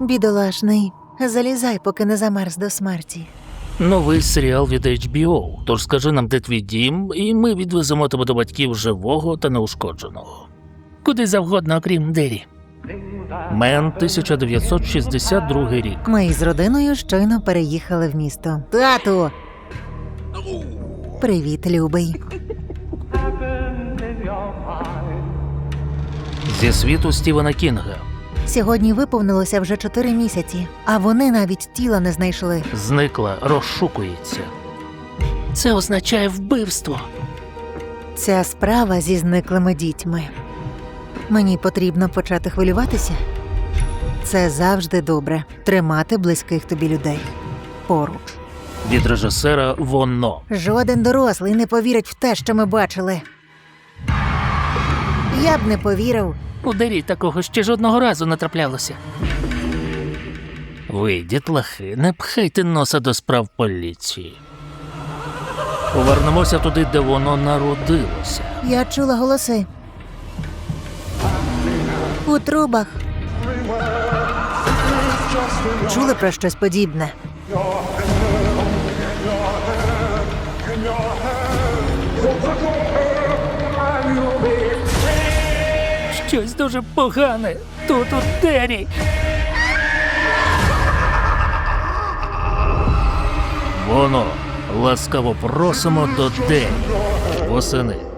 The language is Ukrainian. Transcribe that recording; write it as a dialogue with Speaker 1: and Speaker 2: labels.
Speaker 1: Бідолашний, залізай, поки не замерз до смерті.
Speaker 2: Новий серіал від HBO. Тож скажи нам, де твій дім, і ми відвеземо тебе до батьків живого та неушкодженого. Куди завгодно, окрім Дері. Мен, 1962 рік.
Speaker 1: Ми із родиною щойно переїхали в місто. Тату! Привіт, любий.
Speaker 2: Зі світу Стівена Кінга.
Speaker 1: Сьогодні виповнилося вже 4 місяці, а вони навіть тіла не знайшли.
Speaker 2: Зникла, розшукується. Це означає вбивство.
Speaker 1: Ця справа зі зниклими дітьми. Мені потрібно почати хвилюватися? Це завжди добре – тримати близьких тобі людей поруч.
Speaker 2: Від режисера «Воно».
Speaker 1: Жоден дорослий не повірить в те, що ми бачили. Я б не повірив.
Speaker 2: У Дері такого ще жодного разу не траплялося. Ви, дітлахи, не пхайте носа до справ поліції. Повернемося туди, де воно народилося.
Speaker 1: Я чула голоси. У трубах. Чули про щось подібне?
Speaker 2: Щось дуже погане тут у Дері. Воно. Ласкаво просимо до Дері. Восени.